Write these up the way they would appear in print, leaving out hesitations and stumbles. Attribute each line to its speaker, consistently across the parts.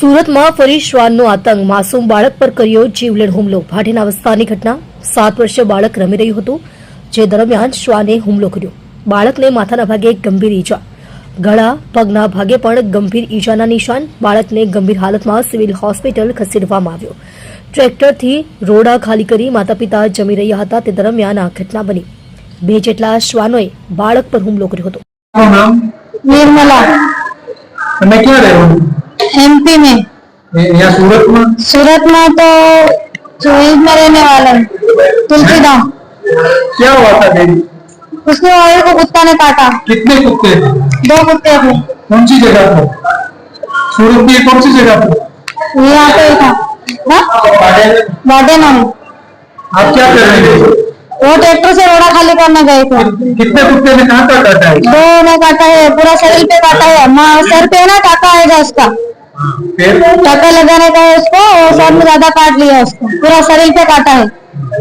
Speaker 1: સુરતમાં ફરી શ્વાનનો આતંક, માસૂમ બાળક પર કર્યો જીવલેણ હુમલો। ભાટીના વિસ્તારની ઘટના। 7 વર્ષીય બાળક રમી રહ્યું હતું, જે દરમિયાન શ્વાને હુમલો કર્યો। બાળકને માથાના ભાગે ગંભીર ઈજા, ગળા પગના ભાગે પણ ગંભીર ઈજાના નિશાન। બાળકને ગંભીર હાલતમાં સિવિલ હોસ્પિટલ ખસેડવામાં આવ્યો। ટ્રેક્ટરથી રોડા ખાલી કરી માતા પિતા જમી રહ્યા હતા, તે દરમિયાન આ ઘટના બની। 2 જેટલા શ્વાનોએ બાળક પર હુમલો કર્યો હતો।
Speaker 2: निर्मला
Speaker 3: मैं क्या रहे हो
Speaker 2: एमपी में।
Speaker 3: यहाँ सूरत में
Speaker 2: तो चोइस में रहने वाला है, तुलसीधाम।
Speaker 3: क्या हुआ था देवी?
Speaker 2: उसने वायु को कुत्ता ने काटा।
Speaker 3: कितने कुत्ते थे?
Speaker 2: 2 कुत्ते थे।
Speaker 3: कौन सी जगह पर? सूरत की कौन सी जगह पर?
Speaker 2: यहाँ पे था बाडेना में।
Speaker 3: आप क्या कर रहे थे?
Speaker 2: वो ट्रैक्टर से रोड़ा खाली करने गए थे।
Speaker 3: कितने कुत्ते ने कहाँ पर काटा है?
Speaker 2: 2 ने काटा है, पूरा शरीर पे काटा है। सर पे ना टाका आएगा उसका,
Speaker 3: फिर
Speaker 2: टाका लगाने का है उसको, और सर में ज्यादा काट लिया उसको, पूरा शरीर पे काटा है।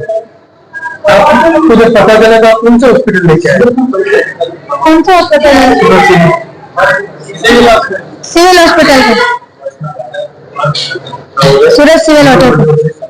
Speaker 3: आपको जब पता चला तो आप कौन से हॉस्पिटल लेके आए?
Speaker 2: कौन सा हॉस्पिटल है?
Speaker 3: सूरत
Speaker 2: सिविल हॉस्पिटल है, सूरत सिविल हॉस्पिटल।